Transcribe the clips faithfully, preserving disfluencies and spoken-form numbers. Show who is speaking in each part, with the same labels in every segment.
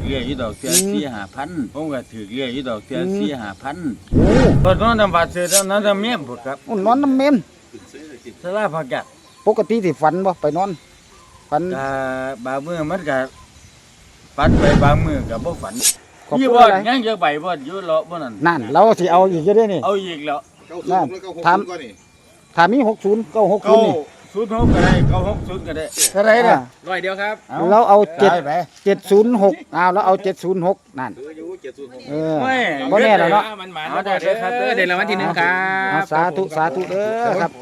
Speaker 1: เรียกอยู่ดอกเสียสี่ห้าพันผมก็ถือเรียกอยู่ดอกเสียสี่ห้าพัน
Speaker 2: โอ้
Speaker 1: ตอนนั้นบาดเจ็บตอนนั้นจะเมียผมครับ
Speaker 2: นอนน้ำเมน
Speaker 1: สลาพักกัด
Speaker 2: ปกติสิฝันบ่ไปนอนฝัน
Speaker 1: ก็บางมือมันก็ฝันไปบางมือก็บ่ฝัน
Speaker 2: ขอบ
Speaker 1: ยี่
Speaker 2: คุณ
Speaker 1: บ่
Speaker 2: อะไร
Speaker 1: ยังจะใบบ่อยู่เลาะบ่นั่น
Speaker 2: นั่นเราสิเอาอีกจะได้นี่
Speaker 1: เอาอีกแล้ว
Speaker 2: นั่นถามถามมีหกศูนย์เก้าหกศู
Speaker 1: เก้าน
Speaker 2: ย์นี่
Speaker 1: ศูนย์หกก็ได้เก้าหกศูนย์ก็ได้เท่าไหรเนี่ย
Speaker 3: ร้อยเดียวครับ
Speaker 2: เราเอาเจ็ด
Speaker 1: ได้ไป
Speaker 2: เจ็ดศูนย์หกเอาแล้วเอาเจ็ดศูนย์หกนั่นเออ
Speaker 1: ไม่
Speaker 2: บ่แน่แล้วเนาะ
Speaker 3: มันหมาเอาได้เลยครับเดี๋ยวรางวัลที่หนึ่งครั
Speaker 2: เอา
Speaker 3: บ
Speaker 2: สาธุสาธุเด้อครับ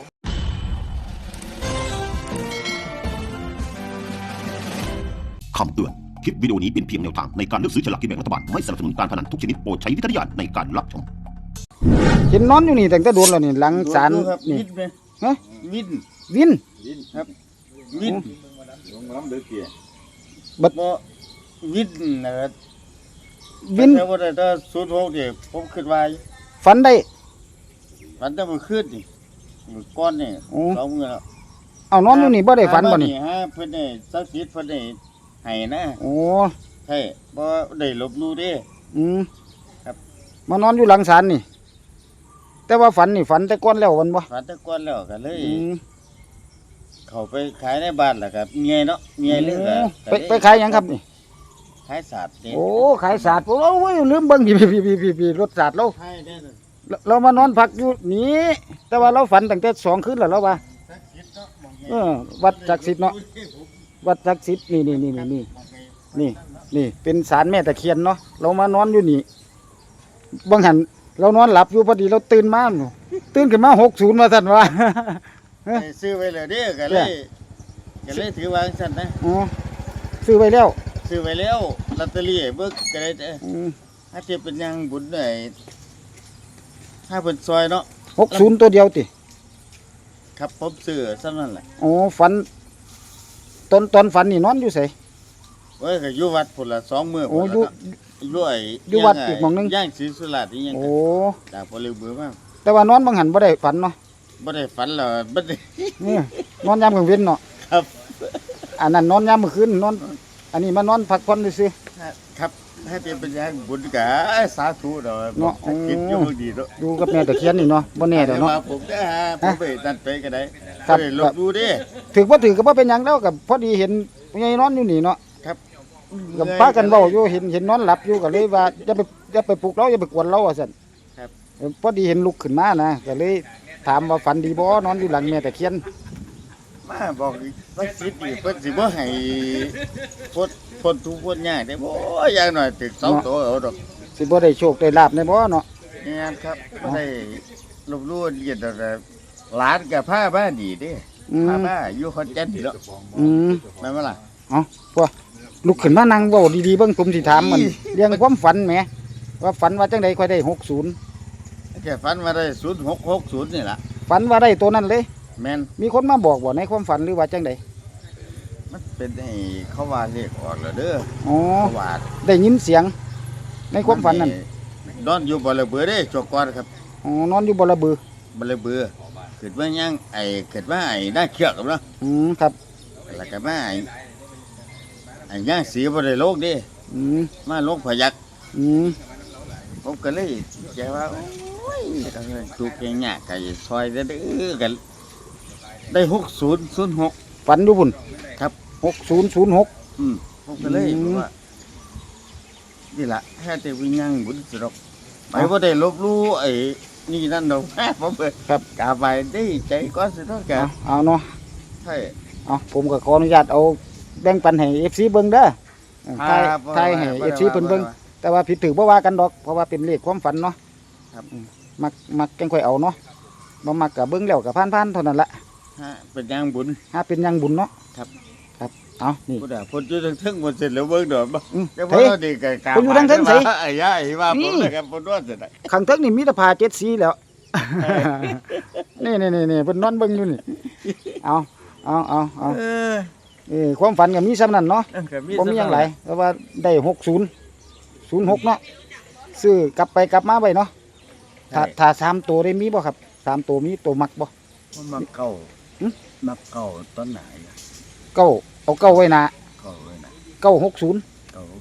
Speaker 4: คำเตือน คลิปวิดีโอนี้เป็นเพียงแนวทางในการเลือกซื้อฉลากกินแบ่งรัฐบาล ไม่สนับสนุนการพนันทุกชนิดโปรดใช้วิจารณญาณในการรับชม
Speaker 2: เห็นนอนอยู่นี่ตั้งแต่โดนแล้วนี่หลังศาล
Speaker 1: ดูครับ
Speaker 2: นี่
Speaker 1: วินไหม
Speaker 2: ฮะ
Speaker 1: วิน
Speaker 2: วิน
Speaker 1: วินครับวินลงน้ำเดือดเกี่ย
Speaker 2: บัด
Speaker 1: บ่วินนะครับ
Speaker 2: วิน
Speaker 1: แต่ว่าแต่ศูนย์หกเดี๋ยวผมคิดว่า
Speaker 2: ฝันได้
Speaker 1: ฝันแต่เมื่อคืนนี่มื้อก้อนนี่
Speaker 2: โอ้
Speaker 1: สองมื้อแล้ว
Speaker 2: เอานอนอยู่นี่บ่ได้ฝันบ่นี่
Speaker 1: ฮะเพิ่นได้สักดิ์สิทธิ์เพิ่นได้ให้นะ
Speaker 2: โอ้
Speaker 1: ใช่บ่ได้ลบหลู่เด้
Speaker 2: อืม
Speaker 1: ครับ
Speaker 2: มานอนอยู่หลังศาลนี่ แต่ว่าฝันนี่ฝันแต่ก่อนแล้ววันบ่
Speaker 1: ฝันแต่ก่อนแล้วก็เลย
Speaker 2: อืม
Speaker 1: เข้าไปขายในบ้านแล้วครับเมียเนาะเมียเลยก็
Speaker 2: ไปไปขายหยังครับนี่
Speaker 1: ขายศาสตร์นี่
Speaker 2: โอ้ขายศาสตร์โอ้ยลืมเบิ่งพี่พี่พี่พี่พี่รถศาสตร์เรา
Speaker 1: ขายได้เลย
Speaker 2: เราเรามานอนพักอยู่นี่แต่ว่าเราฝันตั้งแต่สองคืนแล้วเราว่า
Speaker 1: สักดิ์สิทธิ์เนาะหม้องใหญ่
Speaker 2: เออวัดศักดิ์สิทธิ์เนาะวัดศักดิ์สิทธิ์นี่นี่นี่นี่นี่นี่นี่เป็นศาลแม่ตะเคียนเนาะเรามานอนอยู่นี่บางหันเรานอนหลับอยู่พอดีเราตื่นมาหนูตื่นขึ้นมาหกศูนย์มาสั่นว่า
Speaker 1: ไปซื้อไว้เลยเด้อก็เลยก็เลยถือวางสั่นนะ
Speaker 2: อ๋อซื้อไว้แล้ว
Speaker 1: ซื้อไว้แล้วลอตเตอรี่เบิกก็ได้เด้อ
Speaker 2: อืม
Speaker 1: ถ้าเทียบเป็นยังบุญได้ถ้าเพิ่นซอยเนาะ
Speaker 2: หกศูนย์ตัวเดียวติ
Speaker 1: ครับผมซื้อซ้ำนั่นแหละ
Speaker 2: อ๋อฝันตอนตอนฝันนี่นอนอยู่ไส
Speaker 1: เว้ยก็อยู่วัดพุ่นละสองมื้อ
Speaker 2: โอ้
Speaker 1: พุ่น
Speaker 2: อยู่
Speaker 1: ละเนาะอยู่ไอ้
Speaker 2: อยู่วัดอีกหม้องหนึ่ง
Speaker 1: ย่างศรีสุราษฎร์นี่ยัง
Speaker 2: โอ้
Speaker 1: จากบ่ลืมเบื่อมาก
Speaker 2: แต่ว่านอนบางหันบ่ได้ฝันเนาะ
Speaker 1: บ่ได้ฝันแล้วบ่ได้
Speaker 2: นี่นอนยามกลางเว้นเนาะ
Speaker 1: ครับ
Speaker 2: อันนั้นนอนยามมื้อคืนนอน อันนี้มานอนพักผ่อนซื่อ
Speaker 1: ครับถ้าเทียบเป็นยังบุญก็สาธุดอก
Speaker 2: เนาะ
Speaker 1: สักคิดอยู่ดีเนาะ
Speaker 2: ๆอยู่กับแม่ตะเคียนนี่เนาะบ่แน่ดอกเนาะ
Speaker 1: มาผมได้ฮะผมไปนั่นไปก็ได้
Speaker 2: ครับ
Speaker 1: บ่ได้ลบดูเด้
Speaker 2: ถือว่าถือก็บ่เป็นหยังแล้วกับพอดีเห็นยายนอนอยู่นี่เนาะ
Speaker 1: ครับ
Speaker 2: กับพากันเว้าอยู่เห็นเห็นนอนหลับอยู่ก็เลยว่าอย่าไปอย่าไปปลุกเราอย่าไปกวนเราว่าซั่น
Speaker 1: ครับ
Speaker 2: เออพอดีเห็นลุกขึ้นมานะก็เลยถามว่าฝันดีบ่นอนอยู่หลังแม่ตะเคียน
Speaker 1: มาบอกว่าสิทธิ์นี่เพิ่นสิบ่ให้พ้นพ้นทุกข์พ้นยากได้บ่อย่างน้อยตึกสองตัวเอาดอก
Speaker 2: สิบ่ได้โชคได้ลาบในบ่เนาะ
Speaker 1: งานครับบ่ได้ลบลู่เรียนดอกแต่หลานก็พาบ้านดีเด้
Speaker 2: อื
Speaker 1: พาม บ้านอยู่ขอนแก่นนี่เนาะ
Speaker 2: อืม
Speaker 1: แม่นบ่ล่ะ
Speaker 2: เอ้าพวกลุกขึ้นมานั่งเว้าดีๆเบิ่งผมสิถามมันเรื่องความฝันแหมว่าฝันว่าจังไดค่อยได้หกศูนย์
Speaker 1: แค่ฝันมาได้ศูนย์หกหกศูนย์นี่ล่ะ
Speaker 2: ฝันว่าได้ตัวนั้นเลย
Speaker 1: แม่น
Speaker 2: มีคนมาบอกบ่ในความฝันหรือว่าจังได
Speaker 1: มันเป็นให้เขาว่าเลขออกแล้วเด้อ
Speaker 2: อ๋อ
Speaker 1: เขาว่า
Speaker 2: ได้ยินเสียง ในความฝันนั้น
Speaker 1: นอนอยู่บ่ละเบือเด้จกก่อนครับ
Speaker 2: อ๋อนอนอยู่บ่ระบือ
Speaker 1: บ่ละเบือเกิดว่ายังไอ้เกิดว่าไอ้น่าเชือกครับเนาะ
Speaker 2: อืมครับ
Speaker 1: แล้วก็มาไอ้ไอ้ย่างสีบ่ได้โลกเด้
Speaker 2: อืม
Speaker 1: มาโลกพยัก
Speaker 2: อืม
Speaker 1: ผมก็เลยใจว่าโอ้ยก็เลยถูกแกงยากไก่ซอยเด้อกันได้หกศูนย์ศูนย์หก
Speaker 2: ฝันอยู่พุ่น
Speaker 1: ครับ
Speaker 2: หกศูนย์ศูนย์หก
Speaker 1: อืมผมก็เลย
Speaker 2: อืม
Speaker 1: ว่านี่ล่ะแค่แต่วิญญาณบุญสรกไปบ่ได้ลบหลู่ไอ้นี่นั่นดอก ผมเปิด
Speaker 2: ครับ
Speaker 1: กาไปได้ใจก็สิเท่ากั
Speaker 2: เอา
Speaker 1: น
Speaker 2: เอาเนาะ
Speaker 1: ใช่
Speaker 2: เอาผมก็ขออนุญาตเอาแบ่งปันให้ เอฟ ซี เบิ่งเด้อเออทาย
Speaker 1: ครับ
Speaker 2: ทายให้
Speaker 1: บ่
Speaker 2: เอ
Speaker 1: ได้
Speaker 2: ฟ ซี
Speaker 1: ว่า
Speaker 2: เพิ่นเบิ่ง
Speaker 1: บ่ได้ว่า
Speaker 2: แต่ว่าผิดถือบ่ว่ากันดอกเพราะว่าเป็นเลขความฝันเนาะ
Speaker 1: ครับ
Speaker 2: อืมมักมักจังค่อยเอาเนาะบ่มักก็เบิ่งแล้วก็ผ่านๆเท่านั้นละ
Speaker 1: ฮะเป็นยังบุญ
Speaker 2: หาเป็นหยังบุญเนาะ
Speaker 1: ครับ
Speaker 2: ครับเอานี่
Speaker 1: พุทธะพุทธอยู่ทั้งทึ่งหมดเสร็จแล้วเบิ่งดอกบ่
Speaker 2: อืม
Speaker 1: แต่พอ
Speaker 2: เฮ้ย
Speaker 1: เราดีกับกา
Speaker 2: พุทธอยู่ทั้งทึ่งไส
Speaker 1: ไอ้ย่าไอ้ว่าผม
Speaker 2: นี่
Speaker 1: นะครับพุทธว่าเสร็จแล้ว
Speaker 2: ข้างเทิงนี่มีแต่ผ้าเจ็ดสีแล้ว นี่นี่นี่นี่เพิ่นนอนเบิ่งอยู่นี่เอาเอาเอาเอา
Speaker 1: เออ
Speaker 2: เออความฝันก็มีซ้ำนั้นเนาะ
Speaker 1: ก็
Speaker 2: ผมมีอย่างไรเพราะว่าได้หกศูนย์ศูนย์หกเนาะซื้อกลับไปกลับมาไปเนาะถ้าถ้าสามตัวได้มีบ่ครับสามตัวมีตัวมักบ่
Speaker 1: มันมาเก่า
Speaker 2: หึ
Speaker 1: มาเก่าต้นไหนอะ
Speaker 2: เก้าเอาเก้าไว้หนา
Speaker 1: เก่าเลยนะ
Speaker 2: เก้าหกศูนย์
Speaker 1: เก่าหกศูนย์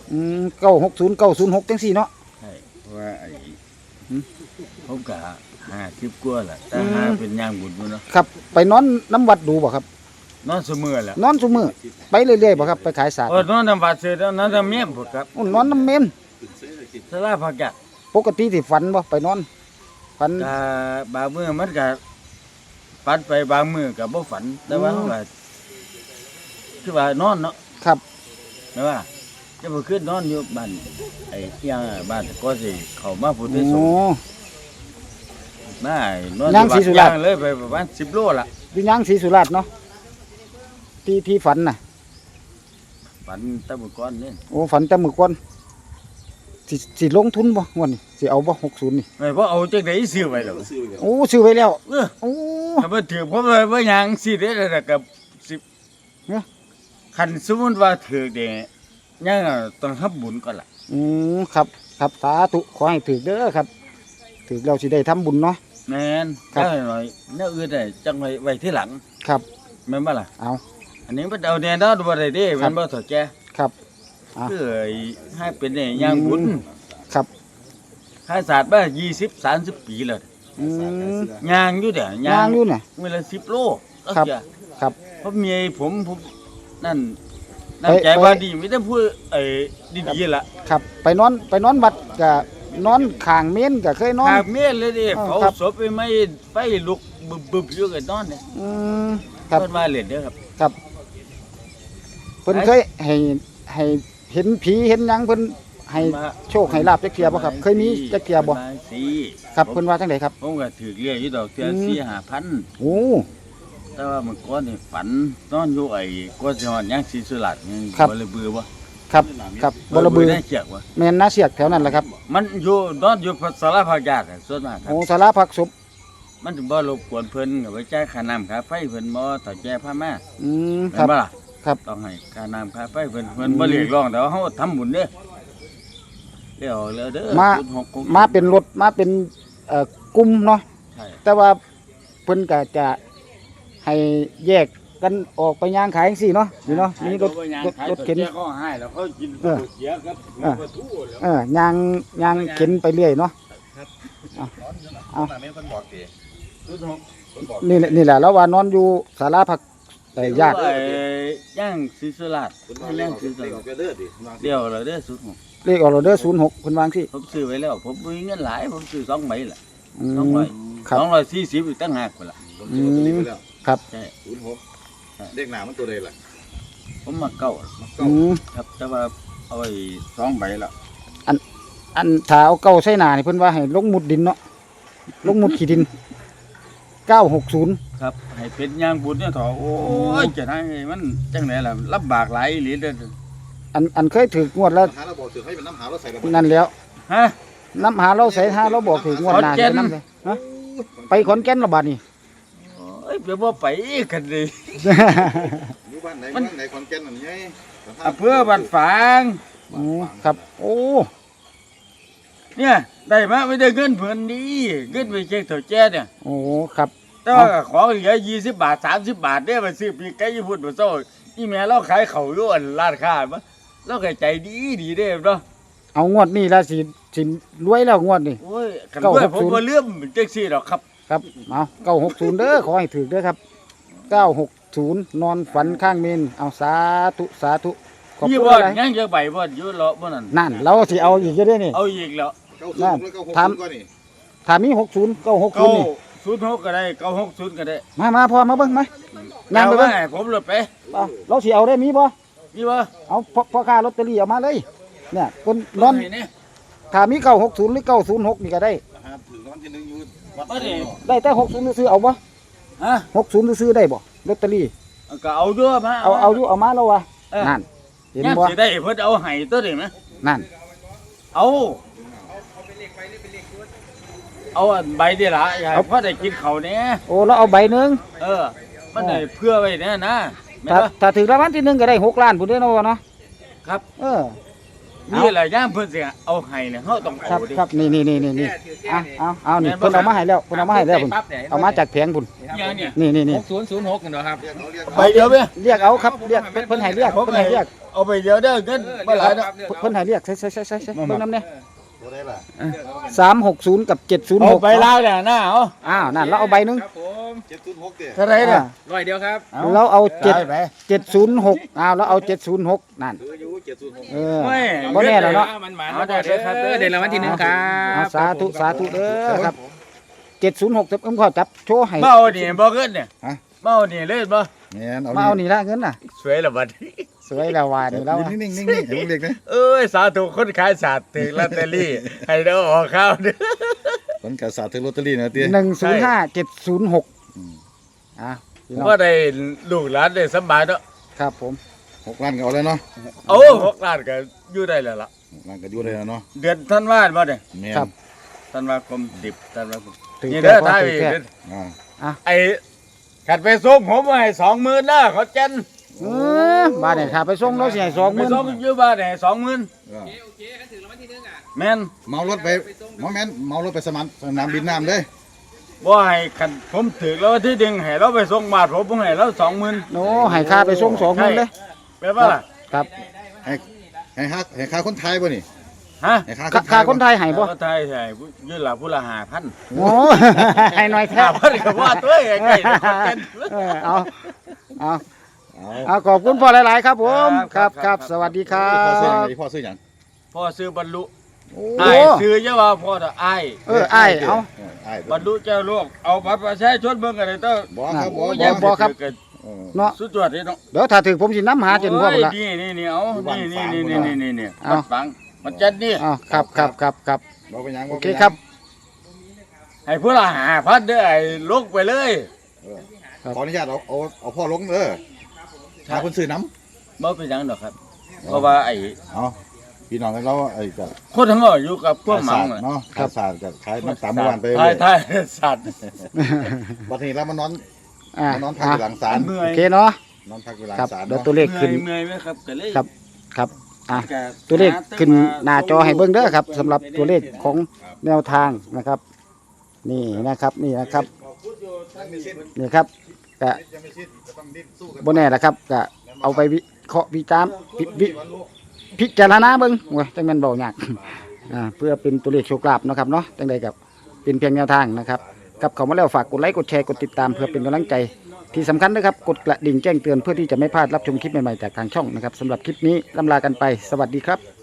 Speaker 2: อืมเก้าหกศูนย์เก้าศูนย์หกจังสี่เนาะ
Speaker 1: ใช่เพราะว่าไอ้
Speaker 2: หืม
Speaker 1: ผมก็ห้าสิบกว่าแหละแต่
Speaker 2: อืม
Speaker 1: หาเป็นย่างบุญอยู่เนาะ
Speaker 2: ครับไปนอนน้ำวัดดูบ่ครับ
Speaker 1: นอนเสมอแหละ
Speaker 2: นอนซุมื้อไปเรื่อยๆบ่ครับไปขายศาสตร์
Speaker 1: เออนอนน้ำบาดเสร็จแล้วนอนน้ำเมียมพุ่นครับ
Speaker 2: โอ้นอนน้ำเมน
Speaker 1: สลาพักยะ
Speaker 2: ปกติสิฝันบ่ไปนอนฝัน
Speaker 1: ก็บางมื้อมันก็ฝันไปบางมื้อก็บ่ฝันแต่ว่า
Speaker 2: อืม
Speaker 1: ว่าคือว่านอนเนาะ
Speaker 2: ครับ
Speaker 1: แม่ว่าจะบ่ขึ้นนอนอยู่บ้านไอ้เที่ยงบ้านก็สิเข้ามาพุทธ
Speaker 2: โอ้
Speaker 1: สงฆ์มาไอ้นอน
Speaker 2: ย่างศรีสุราษฎร์
Speaker 1: ย่างเลยไปประมาณสิบโลล่ะ
Speaker 2: อยู่ย่างศรีสุราษฎร์เนาะที่ที่ฝันน่ะ
Speaker 1: ฝันแตะมื้อก่อนนี่
Speaker 2: โอ้ฝันแต่มื้อก่อนสิสิลงทุนบ่งวดนี้สิเอาบ่หกสิบนี่
Speaker 1: ไม่บ่เอาจังได๋ซื้อไว้แล้ว
Speaker 2: โอ้ซื้อไว้แล้ว
Speaker 1: เออ
Speaker 2: โอ้
Speaker 1: ถ้าบ่ถือผมว่าบ่หยังสิได้แล้วก็สิบ
Speaker 2: เนี่ย
Speaker 1: คันสมมุติว่าถือเด้ยังต้องทำบุญก่อนล่ะ
Speaker 2: อืมครับครับสาธุขอให้ถึกเด้อครับถึกเราสิได้ทำบุญเนาะ
Speaker 1: แม่น
Speaker 2: ครับ
Speaker 1: ได้หน่อยแนวอื่นได้จังไว้ไว้ที่หลัง
Speaker 2: ครับ
Speaker 1: แม่นบ่ล่ะ
Speaker 2: เอา
Speaker 1: อันนี้มันเอาแน่นอนบ่ได้เด้
Speaker 2: ครั
Speaker 1: มั
Speaker 2: บ
Speaker 1: นบ่ถอดแก่
Speaker 2: ครับ อ่ะ
Speaker 1: คือไอ้ให้เป็นได้ย่างบุญ
Speaker 2: ครับ
Speaker 1: ค่าศาสตร์มายี่สิบ สามสิบปีแล้ว
Speaker 2: อืม
Speaker 1: ย่างอยู่เด้อย่าง
Speaker 2: างอยู่น่ะ
Speaker 1: มื้อละสิบโลเอา
Speaker 2: ครับ
Speaker 1: เสีย
Speaker 2: ครับ
Speaker 1: เพราะเมียผมผมนั่นนั่
Speaker 2: ไป
Speaker 1: นใจ
Speaker 2: ไป
Speaker 1: ว่าดีมีแต่พูดไอ้ดีๆล่ะ
Speaker 2: ครับไปนอนไปนอนวัดก็นอนข้างเมนก็เคยนอน
Speaker 1: หากเมียเลยดิ
Speaker 2: อ๋อ
Speaker 1: เขา
Speaker 2: ครับ
Speaker 1: ศพไปไม่ไฟลุกบึบๆอยู่กันนอนเนี่ย
Speaker 2: อืมครับ
Speaker 1: เพิ่นมาเล่นเด้อครับ
Speaker 2: ครับเพิ่นเคยให้ให้เห็นผีเห็นหยังเพิ่นให้โชคให้ลาบจักเที่ยบ่ครับ เคยมีจักเที่ยบ่
Speaker 1: มาสิ
Speaker 2: ครับ
Speaker 1: ผม
Speaker 2: เพิ่นว่าจังไดครับ
Speaker 1: ผมก็ถือเรียกอยู่ดอกเทื่อ
Speaker 2: อืม
Speaker 1: สี่ห้าพัน
Speaker 2: โอ้
Speaker 1: แต่ว่าเมื่อก่อนนี่ฝันนอนอยู่ไอ้ก็สิฮอดยังศรีสุราษฎร์ยัง
Speaker 2: ครับ
Speaker 1: บ่เลยเบื่อบ่
Speaker 2: ครับครับบ่ระบือ
Speaker 1: ได้เกียกบ่
Speaker 2: แม่นนาเสียกแถวนั้นแหละครับ
Speaker 1: มันอยู่นอนอยู่สารพัดญาติส่วนมากครับ
Speaker 2: โอ้ศาลาพักศพ
Speaker 1: มันถึงบ่รบกวนเพิ่นก็ไปจ่ายค่าน้ำค่าไฟเพิ่นบ่ถ้าแจ้พามา
Speaker 2: อืมค
Speaker 1: แม่
Speaker 2: รับ
Speaker 1: นบ่ล่ะ
Speaker 2: ครับ
Speaker 1: ต้องให้ค่าน้ำค่าไฟเพิ่นเพิ่นบ่เรียกร้องแต่ว่าเฮาทำบุญเด้อเดี๋ยวแล้วเด้อ
Speaker 2: มา
Speaker 1: ศูนย์หกหก
Speaker 2: มาเป็นรถมาเป็นเอ่อกลุ่มเนาะ
Speaker 1: ใช่
Speaker 2: แต่ว่าเพิ่นก็จะให้แยกกันออกไปย่างขายจังซี่เนาะนี่เนาะมีรถรถรถเข็น
Speaker 1: เขาให้แล้วเขากิน
Speaker 2: เออ
Speaker 1: เสียครับ
Speaker 2: เออ เออย่างย่างเข็นไปเรื่อยเนาะเอาเอานี่แหละนี่แหละแล้วว่านอนอยู่ศาลาพักแต่ญาติ
Speaker 1: ไอ้ย่างศรีสุราษฎร์ย่างศรีสุราษฎร์เดี๋ยวแล้วเด้อสุด
Speaker 2: เลขออร์เดอร์ศูนย์หกเพิ่นวางที่
Speaker 1: ผมซื้อไว้แล้ว ผมมีเงินหลายผมซื้อสองใบล่ะ
Speaker 2: อื
Speaker 1: สองใบ
Speaker 2: มครับ
Speaker 1: สองร้อยสี่สิบอีกตั้งหากพุ่นล่ะ
Speaker 2: อืมครับ
Speaker 1: ใช่
Speaker 5: ศูนย์หกเลขหนามันตัวใดล่ะ
Speaker 1: ผมมาเก้า
Speaker 2: อืม
Speaker 1: ครับแต่ว่าเอาไว้สองใบแล้ว
Speaker 2: อันถ้าเอาเก้าใส่หน้านี่เพิ่นว่าให้ลงหมุดดินเนาะลงหมุดขี้ดินเก้าหกศูนย์
Speaker 1: ครับให้เป็นย่างบุญเนี่ยเถอะโอ้ยจะให้มันจังไหนล่ะลำบากหลายอีหลีเด้อ
Speaker 2: อันอันเคยถือกงวดแล้ว
Speaker 5: หาเราบอกถือให้เป็นน้ำหาเราใส่ระเบิด
Speaker 2: นั่นแล้ว
Speaker 1: ฮะ
Speaker 2: น้ำหาเราใส่หาเราบอกถือกงวดหน้า
Speaker 1: ขอนแก่น
Speaker 2: ใส่น้ำเลยฮะไปขอนแก่นและบาดนี่
Speaker 1: โอ้ยเดี๋ยวบ่ไปกันเลย
Speaker 5: อยู่บ้านไหนบ้านไหนขอนแก่นนั่นไง
Speaker 1: อำเภอบ้านฝาง
Speaker 2: โอ้ครับ โอ้
Speaker 1: เนี่ยได้มาไม่ได้เงินเพิ่นดีเงินไปเช็คเถ่าแจ้เนี่ย
Speaker 2: โอ้ครับ
Speaker 1: แต่ว่าของเหลือยี่สิบบาทสามสิบบาทเนี่ยมาซื้อปีกไก่ญี่ปุ่นมาโซ่อีแม่เราขายเขาวอยู่อันร้านค้ามาเราก็ใจดีดีเด้เนาะ
Speaker 2: เอางวดนี้ละสิสิรวยแล้วงวดนี้
Speaker 1: โอ้ยกัน
Speaker 2: เก้า
Speaker 1: ด้วย
Speaker 2: หก
Speaker 1: ผม
Speaker 2: ศูนย์
Speaker 1: บ่เลื่อมจังซี่ดอกครับ
Speaker 2: ครับเอาเก้าหกศูนย์เด้อขอให้ถือเด้อครับเก้าหกศูนย์นอนฝันข้างเมนเอาสาธุสาธุขอบ
Speaker 1: ยี่
Speaker 2: คุณ
Speaker 1: บ่
Speaker 2: อะไร
Speaker 1: ยังจะใบบ่อยู่เลาะบ่นั่น
Speaker 2: นั่นเราสิเอาอีกเยอะเด้อนี่
Speaker 1: เอาอีกแล้ว
Speaker 5: เก้าศูนย์แล้วเก้าหกศูนย์ก็นี่
Speaker 2: ถ้ามีหกศูนย์เก้าหกศู
Speaker 1: เก้าน
Speaker 2: ย์นี่
Speaker 1: ศูนย์หกก็ได้เก้าหกศูนย์ก็ได้
Speaker 2: มามาพอมาเบิ่งมานั่งไป
Speaker 1: เอา
Speaker 2: เบิ่ง
Speaker 1: ไว้ให้ผมรถไป
Speaker 2: เอาเราสิเอาได้มีบ่
Speaker 1: มีบ่
Speaker 2: เอาพ่อพ่อค้าลอตเตอรี่เอามาเลย เนี่ยคนนอน
Speaker 1: ให้แ
Speaker 2: ถ้ามีเก้าหกศูนย์หรือเก้าศูนย์หกนี่ก็ได้
Speaker 5: ครับถือรางวัลที่หนึ่งอยู่วัด
Speaker 1: บ่ได้
Speaker 2: ได้แต่หกศูนย์ซื้อเอาบ่
Speaker 1: ฮะ
Speaker 2: หกศูนย์ซื้อได้บ่ลอตเตอรี่
Speaker 1: ก็เอาด้วยมา
Speaker 2: เอาเอาอยู่เอามาแล้ววะ
Speaker 1: เออ
Speaker 2: นั่นเห็น
Speaker 1: ยัง
Speaker 2: บ่
Speaker 1: สิได้เพิ่นเอาให้ตัวนี้นะ
Speaker 2: นั่น
Speaker 1: เอาเอาอันใบเดียวละอย่าให้พ่อได้กินเขาวเนี่ย
Speaker 2: โอ้เราเอาใบหนึง
Speaker 1: เออ มันได้เพื่อไว้เนี่ยนะแม่น
Speaker 2: ถ้า
Speaker 1: บ่
Speaker 2: ถ้าถึงรางวัลที่หนึ่งก็ได้หกล้านพุ่นเด้อเนาะวะเนาะ
Speaker 1: ครับ
Speaker 2: เออ
Speaker 1: นี่แหละย่ามเพิ่นสิเอาให้เนี่ยเฮาต้อง
Speaker 2: ครั
Speaker 1: เอา
Speaker 2: บ
Speaker 1: ดิ
Speaker 2: ครับนี่นี่นี่นี่นี่เอาเอาเอานี่เพิ่นเอามาให้แล้วเพิ่นเอามาให้แล้วพุ่นเอามาจากแผงพุ่น
Speaker 3: ยังเนี่ย
Speaker 2: นี่นี่นี่
Speaker 3: หกศูนย์ศูนย์หกกันเหรอครับ
Speaker 1: ไปเดียวเว้ย
Speaker 2: เรียกเอาครับเรียกเพิ่นเพิ่นให้เรียกเพิ่นให้เรียก
Speaker 1: เอาไปเดียวเด้อเงินบ่หลายดอก
Speaker 2: เพิ่นให้เรียกใช่ใช่ใช่ใช่ใช่เบิ่งนำเนี่ย
Speaker 5: ตัวได้ล่ะ
Speaker 2: สามหกศูนย์กับเจ็ดศูนย์
Speaker 1: เอา
Speaker 2: หก
Speaker 1: ไปลาวเนี่ยนะเอา
Speaker 2: อ้าวนั่นเราเอาใบหนึง
Speaker 3: ครับผม
Speaker 5: เจ็ดศูนย์หกเด้
Speaker 1: เท่าไหร่น่ะ
Speaker 3: ร้อยเดียวครับ
Speaker 2: เราเอาเจ็ด
Speaker 1: ได้ไป
Speaker 2: เจ็ดศูนย์หกอ้าวเราเอาเจ็ดศูนย์หกนั่น
Speaker 5: ถืออยู่เจ็ดศูนย์หก
Speaker 2: เออ
Speaker 1: ไม่
Speaker 2: บ่แน่แล้วเนาะ
Speaker 3: มันหมาเด้อเด้อครับเด้อเดี๋ยวรางวัลที่หนึ่งครั
Speaker 2: เอา
Speaker 3: บ
Speaker 2: สาธุสาธุเด้อครับเจ็ดศูนย์หกเอิ่มขอจับโชว์ให้
Speaker 1: เมานี่บ่เงินเนี่ยเมานี่เลยบ่
Speaker 5: แม่นเอา
Speaker 2: มาเอานี่ละเงินน่ะ
Speaker 1: สวยละบัด
Speaker 2: สวยแล้วว่านี่แล้ว
Speaker 5: นิ่งๆนิ่งๆนิ่งๆให้ผมเรียกนะ
Speaker 1: เอ้ยสาธุคนขายศาสตร์ถึงลอตเตอรี่ให้เด้อออกข้าวเด้อ
Speaker 5: ผลการศาสตร์ถึงลอตเตอรี่นะเตี้ย
Speaker 2: หนึ่งศูนย์ห้าเจ็ดศูนย์หกอ่ะพี่น้อง
Speaker 1: ว่าได้ลูกหลานได้สบายเนาะ
Speaker 2: ครับผม
Speaker 5: หกล้านก็เอาเลยเนาะ
Speaker 1: โอ้หกล้านก็อยู่ได้แล้วล่ะ
Speaker 5: หกล้านก็อยู่ได้แล้วเนาะ
Speaker 1: เดือนธันวาคมบ่เนี่ย
Speaker 5: แม่น
Speaker 2: ครับ
Speaker 1: ธันวาคมสิบธันวาคม
Speaker 2: ถือ
Speaker 1: นี่
Speaker 2: แก้
Speaker 1: เด้อ
Speaker 2: ว่า
Speaker 1: ท้าย
Speaker 2: ถือแก้
Speaker 1: เด้อ
Speaker 5: อ่า
Speaker 1: ไอ้ขัดไปส่งผมมาให้สองหมื่นนะเขาเจน
Speaker 2: เออบ้านเนี่ยถ้าไปส่งเราสิให้สองห
Speaker 1: ไป
Speaker 2: มื่น
Speaker 1: ส่งอยู่บ้านให้สองหมื่น
Speaker 5: เออ
Speaker 3: โอเคกันถึงรางวัลที่หนึ่งอ่ะ
Speaker 1: แม่น
Speaker 5: เมารถไปหมอแม่นเมารถไปสมานสนามบินน้ำเลย
Speaker 1: ว่าให้ขันผมถือแล้วที่ดึงให้เราไปส่งบาทผมผมให้เราสองหมื่น
Speaker 2: โน้ให้ค่าไปส่งสองหมื่นเลย
Speaker 1: แปลว่าล่ะ
Speaker 2: ครับ
Speaker 5: ให้ให้ค่าให้ค่าคนไทยบ่นี่
Speaker 1: ฮะ
Speaker 5: ให้ค่า
Speaker 2: ค่าค่าคนไทยให้บ่
Speaker 1: ก็ไทยใช่ยืนหลับผู้ละห้าพัน
Speaker 2: โอ้ให้หน่อยแท้
Speaker 1: ห้าพันก็ว่าตัวใกล้ๆเขาเจน
Speaker 2: เออเอาเอา
Speaker 5: เอา
Speaker 2: เอาขอบคุณพ่อหลาย ๆ ครับผมครับครับสวัสดีครั
Speaker 5: พ่อซื้อหยัง
Speaker 2: บ
Speaker 5: ไงพ่อซื้อหยัง
Speaker 1: พ่อซื้อบรรลุ
Speaker 2: โอ้
Speaker 1: ไอ้ซื้อเยอะว่าพ่อจะไอ้
Speaker 2: เออไอ้ายเอา
Speaker 5: เอออ้าย
Speaker 1: บรรลุเจ้าลูกเอาบัตรประชาชนเบิ่งกันเลยเต้อ
Speaker 5: บ่ครับบ่
Speaker 2: โอ้ย
Speaker 5: บ่
Speaker 2: บ่ครับ
Speaker 5: เออ
Speaker 2: เนาะ
Speaker 1: สุดยอดเลยเนาะ
Speaker 2: เดี๋ยวถ้าถึงผมสิน้ำหาจนพ่อหมดละ
Speaker 1: โอ้ยนี่นี่นี่เอา
Speaker 5: อยู่บ้าน
Speaker 1: นี่
Speaker 5: ฝาง
Speaker 1: นี่
Speaker 5: หมด
Speaker 1: นี่
Speaker 5: ละ
Speaker 1: นี่นี่นี่
Speaker 2: เอา
Speaker 1: มันฝังมันจัดนี่
Speaker 2: อ้าวครับครับครับครับ
Speaker 5: บ่เป็นหยัง
Speaker 2: โอ
Speaker 5: บ่
Speaker 2: เค
Speaker 5: เป็นหยัง
Speaker 2: ครับ
Speaker 1: ให้ผู้ละหาพันเด้อไอ้ลุกไปเลย
Speaker 2: ครับ
Speaker 5: ขออนุญาตเอาเอาเอาพ่อลงเด้อหาคนซื้อน้
Speaker 1: บ่เป็นหยังดอกครับ เพราะว่าไอ้
Speaker 5: ำเอาพี่น้องกันเราไอ้ก็
Speaker 1: คนทั้งหมดอยู่กับพวกหมั
Speaker 5: ศาง สตร์เนาะขายศาสตร์กับขายน้ำตาลเมื่อวานไป
Speaker 1: ทายทายสัตว์
Speaker 5: วันนี้เรามานอน
Speaker 2: อ่าม
Speaker 5: านอนพักอยู่หลังศาล
Speaker 1: เมื่
Speaker 2: โอ
Speaker 1: อย
Speaker 2: เคเนาะ
Speaker 5: นอนพักอยู่หลัง
Speaker 2: ครับ
Speaker 5: ศาล
Speaker 2: เดี๋ยว
Speaker 5: เนาะ
Speaker 2: ตัวเลขขึ้น
Speaker 1: เมื่อยไหมครับก็เลย
Speaker 2: ครับครับอ่ะ
Speaker 1: ก็
Speaker 2: ตัวเลขขึ้นหน้าจอให้เบิ่งเด้อครับสำหรับตัวเลขของแนวทางนะครับ นี่นะครับนี่นะครับนี่ครับก็บนแน่ละครับก็เอาไปวิเคราะห์วิจารณ์วิวิพิจารณาเบิ่งโอ้ยจังแม่นเบายากอ่าเพื่อเป็นตัวเลขโชคลาภเนาะครับเนาะจังใดกับเป็นเพียงแนวทางนะครับกับเขามาแล้วฝากกดไลค์กดแชร์กดติดตามเพื่อเป็นกำลังใจที่สำคัญนะครับกดกระดิ่งแจ้งเตือนเพื่อที่จะไม่พลาดรับชมคลิปใหม่ๆจากทางช่องนะครับสำหรับคลิปนี้ลำลากันไปสวัสดีครับ